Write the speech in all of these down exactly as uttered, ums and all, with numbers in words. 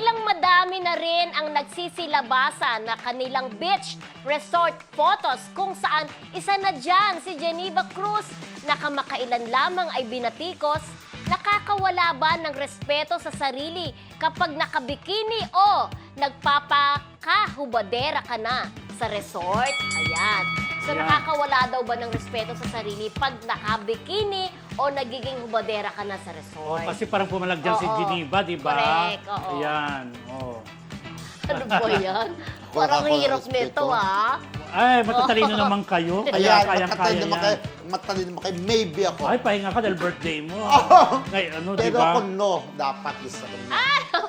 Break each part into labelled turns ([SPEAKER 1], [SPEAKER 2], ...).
[SPEAKER 1] bilang madami na rin ang nagsisilabasan na kanilang beach resort photos kung saan isa na dyan si Geneva Cruz na kamakailan lamang ay binatikos, nakakawala ba ng respeto sa sarili kapag nakabikini o nagpapakahubadera ka na sa resort? Ayan. So,
[SPEAKER 2] Ayan.
[SPEAKER 1] nakakawala daw ba ng respeto sa sarili pag nakabikini o nagiging hubadera ka na sa
[SPEAKER 2] Oh,
[SPEAKER 1] resort?
[SPEAKER 2] kasi parang pumalag dyan si
[SPEAKER 1] Oo.
[SPEAKER 2] Geneva, di ba?
[SPEAKER 1] Correct, oo.
[SPEAKER 2] Ayan. Oh.
[SPEAKER 1] Ano ba yan? Parang
[SPEAKER 3] Wala ko
[SPEAKER 1] hirap
[SPEAKER 3] respeto.
[SPEAKER 1] nito, ah.
[SPEAKER 2] Ay, matatalino naman kayo. Kaya
[SPEAKER 3] Ayan,
[SPEAKER 2] kayang-kaya
[SPEAKER 3] matalino naman kayo.
[SPEAKER 2] yan.
[SPEAKER 3] Matalino naman kayo. Maybe ako.
[SPEAKER 2] Ay, pahinga ka dahil birthday mo. Ngayon, ano, di
[SPEAKER 3] Pero
[SPEAKER 2] ba?
[SPEAKER 3] ako no, dapat isa ko no.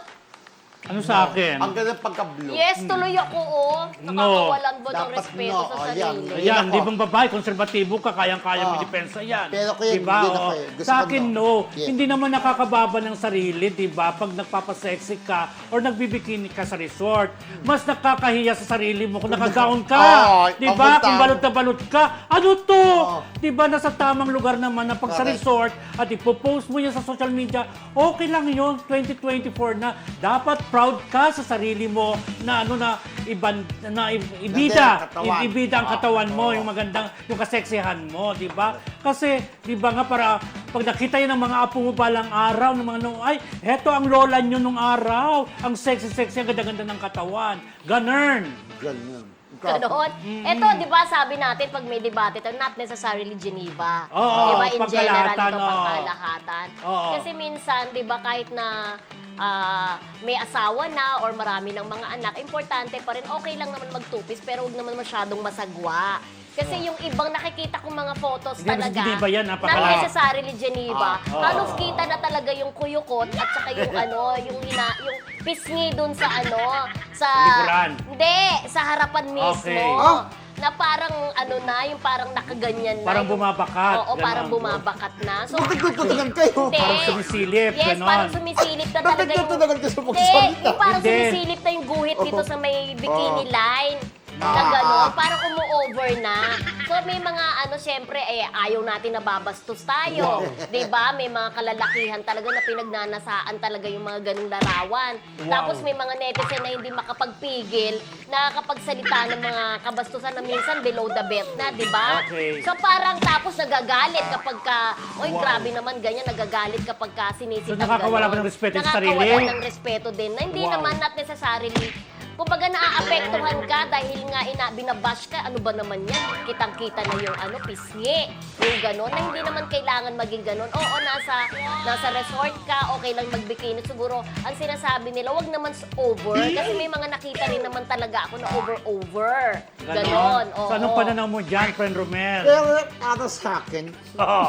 [SPEAKER 2] Ano sa akin?
[SPEAKER 3] Ang ganda pagka-blue.
[SPEAKER 1] Yes, tuloy ako, oh. Nakakawalan ba ng
[SPEAKER 3] Dapat
[SPEAKER 1] respeto
[SPEAKER 3] no.
[SPEAKER 1] sa
[SPEAKER 3] Oh,
[SPEAKER 1] sarili?
[SPEAKER 3] yan.
[SPEAKER 2] Ayan,
[SPEAKER 3] Ako.
[SPEAKER 2] di bang babae, konserbatibo ka, kayang-kaya mo
[SPEAKER 3] Oo.
[SPEAKER 2] depensa yan.
[SPEAKER 3] Pero kuya,
[SPEAKER 2] diba?
[SPEAKER 3] hindi na
[SPEAKER 2] Oo.
[SPEAKER 3] kuya. Gusto
[SPEAKER 2] Sa
[SPEAKER 3] ko
[SPEAKER 2] akin,
[SPEAKER 3] no.
[SPEAKER 2] no.
[SPEAKER 3] Yes.
[SPEAKER 2] Hindi naman nakakababa ng sarili, di ba? Pag nagpapasexy ka or nagbibikini ka sa resort, mas nakakahiya sa sarili mo kung nakagown ka.
[SPEAKER 3] Oo,
[SPEAKER 2] Di ba?
[SPEAKER 3] papunta.
[SPEAKER 2] Kung balot na balot ka. Ano to?
[SPEAKER 3] Oo.
[SPEAKER 2] Di ba? Nasa tamang lugar naman na pag sa
[SPEAKER 3] Correct.
[SPEAKER 2] resort at ipopost mo yan sa social media, okay lang yun. twenty twenty-four na. Dapat proud ka sa sarili mo na ano na iban na i- ibida,
[SPEAKER 3] Ganda ang katawan.
[SPEAKER 2] i- ibida ang
[SPEAKER 3] Ah,
[SPEAKER 2] katawan mo,
[SPEAKER 3] oo.
[SPEAKER 2] yung magandang yung kaseksihan mo, di ba? Kasi di ba nga para pag nakita yun ng mga apo mo balang araw ng mga nung ay, heto ang lola nyo nung araw, ang sexy-sexy, ang ganda-ganda ng katawan. Ganun.
[SPEAKER 3] Ganun.
[SPEAKER 1] Ganon.
[SPEAKER 2] Mm.
[SPEAKER 1] Ito, di ba, sabi natin, pag may debate ito, not necessarily Geneva.
[SPEAKER 2] Oo,
[SPEAKER 1] di ba, in general,
[SPEAKER 2] pagkalahatan,
[SPEAKER 1] ito,
[SPEAKER 2] oo.
[SPEAKER 1] pangkalahatan.
[SPEAKER 2] Oo.
[SPEAKER 1] Kasi minsan, di ba, kahit na ah, may asawa na or marami ng mga anak, importante pa rin, okay lang naman magtupis, pero huwag naman masyadong masagwa. Kasi yung ibang nakikita kong mga photos
[SPEAKER 2] Hindi naman si
[SPEAKER 1] talaga,
[SPEAKER 2] Geneva yan,
[SPEAKER 1] not
[SPEAKER 2] napakala-
[SPEAKER 1] necessarily Geneva,
[SPEAKER 2] Ah, oo.
[SPEAKER 1] halos kita na talaga yung kuyukot at saka yung ano, yung hina, yung pisngi dun sa ano, sa...
[SPEAKER 2] Likuran.
[SPEAKER 1] Hindi, sa harapan mismo.
[SPEAKER 2] Okay.
[SPEAKER 3] Ah.
[SPEAKER 1] Na parang ano na, yung parang nakaganyan na.
[SPEAKER 2] Parang
[SPEAKER 1] yung-
[SPEAKER 2] bumabakat,
[SPEAKER 1] Oo,
[SPEAKER 2] ganon.
[SPEAKER 1] parang bumabakat na. So,
[SPEAKER 3] Bakit nagtutunan kayo?
[SPEAKER 1] hindi.
[SPEAKER 2] Parang sumisilip,
[SPEAKER 1] Yes,
[SPEAKER 2] ganon.
[SPEAKER 1] parang sumisilip na talaga
[SPEAKER 3] Bakit
[SPEAKER 1] yung...
[SPEAKER 3] nagtutunan kayo sa
[SPEAKER 1] Hindi,
[SPEAKER 3] pagsalita?
[SPEAKER 1] yung parang
[SPEAKER 2] Hindi.
[SPEAKER 1] sumisilip na yung guhit dito
[SPEAKER 3] Oo.
[SPEAKER 1] sa may bikini
[SPEAKER 3] Oo.
[SPEAKER 1] line. Na
[SPEAKER 3] Ah,
[SPEAKER 1] gano'n,
[SPEAKER 3] ah.
[SPEAKER 1] parang umu-over na. So may mga ano, syempre, eh, ayaw natin na babastos tayo.
[SPEAKER 2] Wow.
[SPEAKER 1] 'Di ba? May mga kalalakihan talaga na pinagnanasaan talaga yung mga ganung larawan.
[SPEAKER 2] Wow.
[SPEAKER 1] Tapos may mga netizen na hindi makapagpigil, nakakapagsalita ng mga kabastusan na minsan below the belt na, 'di ba?
[SPEAKER 2] Okay.
[SPEAKER 1] So parang tapos nagagalit kapag ka, oy,
[SPEAKER 2] Wow.
[SPEAKER 1] grabe naman ganyan, nagagalit kapag ka sinisita.
[SPEAKER 2] So, nakakawala ba ng respeto sa sarili?
[SPEAKER 1] Nakakawala ng respeto din. Na hindi
[SPEAKER 2] Wow.
[SPEAKER 1] naman not necessarily. Kumbaga naaapektuhan ka dahil nga ina, binabash ka, ano ba naman yan? Kitang-kita na yung ano, pisngi, yung gano'n, na hindi naman kailangan maging gano'n. Oo, nasa, nasa resort ka, okay lang magbikini. Siguro, ang sinasabi nila, wag naman s- over. Kasi may mga nakita rin naman talaga ako na over-over. Ganon, oo.
[SPEAKER 2] So, anong pananaw mo dyan, friend Romel?
[SPEAKER 3] Pero para sa akin,
[SPEAKER 2] Oo.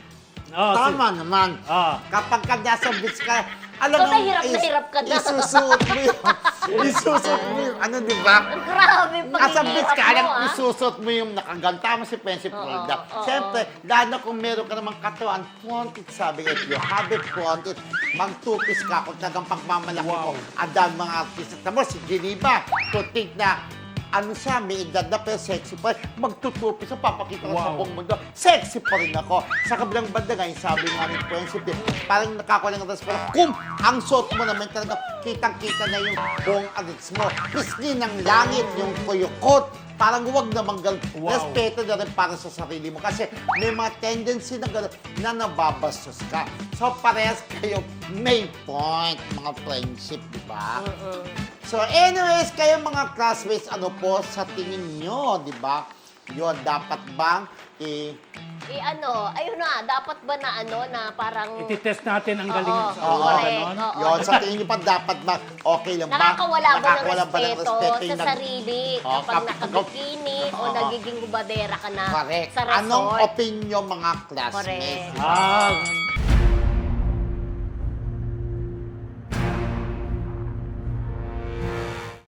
[SPEAKER 2] Oo, si-
[SPEAKER 3] tama naman.
[SPEAKER 2] Oo.
[SPEAKER 3] Kapag ka nasa beach ka, alam
[SPEAKER 1] So,
[SPEAKER 3] mo,
[SPEAKER 1] nahirap na
[SPEAKER 3] is-
[SPEAKER 1] hirap ka na.
[SPEAKER 3] Isusuot mo yung, isusuot mo yung, ano, di ba?
[SPEAKER 1] Grabe,
[SPEAKER 3] Nasa beach ka, alam,
[SPEAKER 1] ah.
[SPEAKER 3] isusot mo yung nakaganta mo si Prinsip
[SPEAKER 1] Oo,
[SPEAKER 3] Rolda.
[SPEAKER 1] oo.
[SPEAKER 3] Siyempre, lalo kung meron ka namang katawan, flaunt it, sabi if you have it, flaunt it. Magtupis ka kung tagang pagmamalaki
[SPEAKER 2] Wow.
[SPEAKER 3] mo. Ang dami mga artista. Tapos, si Geneva, to think na, ano siya, may edad na pero sexy pa rin. Magtutupis, so papakita ko sa
[SPEAKER 2] Wow.
[SPEAKER 3] buong mundo. Sexy pa rin ako. Sa kabilang banda nga, yung sabi nga ni Prinsip, eh, parang nakakuha ng respeto. Kung ang suot mo naman talaga, kitang-kita na yung buong adits mo. Pisngi ng langit, yung kuyukot. Parang huwag namang ganun.
[SPEAKER 2] Wow.
[SPEAKER 3] Respeto na rin para sa sarili mo. Kasi may mga tendency na gano'n na nababastos ka. So, parehas kayo may point, mga friendship, di ba? So, anyways, kayo mga classmates, ano po sa tingin nyo, di ba? Yun, dapat bang i-
[SPEAKER 1] Eh ano, ayun na, dapat ba na ano, na parang...
[SPEAKER 2] Ititest natin ang galing
[SPEAKER 1] Oo,
[SPEAKER 2] sa
[SPEAKER 3] oo,
[SPEAKER 1] correct.
[SPEAKER 2] ganon.
[SPEAKER 1] Oo.
[SPEAKER 3] Yun, sa tingin nyo pa dapat ba okay lang ba?
[SPEAKER 1] Nakakawala ba ng
[SPEAKER 3] Nakakawala ba
[SPEAKER 1] respeto,
[SPEAKER 3] yung
[SPEAKER 1] sa
[SPEAKER 3] nag-
[SPEAKER 1] sarili
[SPEAKER 3] Oo,
[SPEAKER 1] kapag
[SPEAKER 3] kap-
[SPEAKER 1] nakabikini o
[SPEAKER 3] Oo.
[SPEAKER 1] nagiging hubadera ka na
[SPEAKER 3] Correct.
[SPEAKER 1] sa resort?
[SPEAKER 3] Anong opinion mga classmates?
[SPEAKER 1] Correct.
[SPEAKER 2] Ah,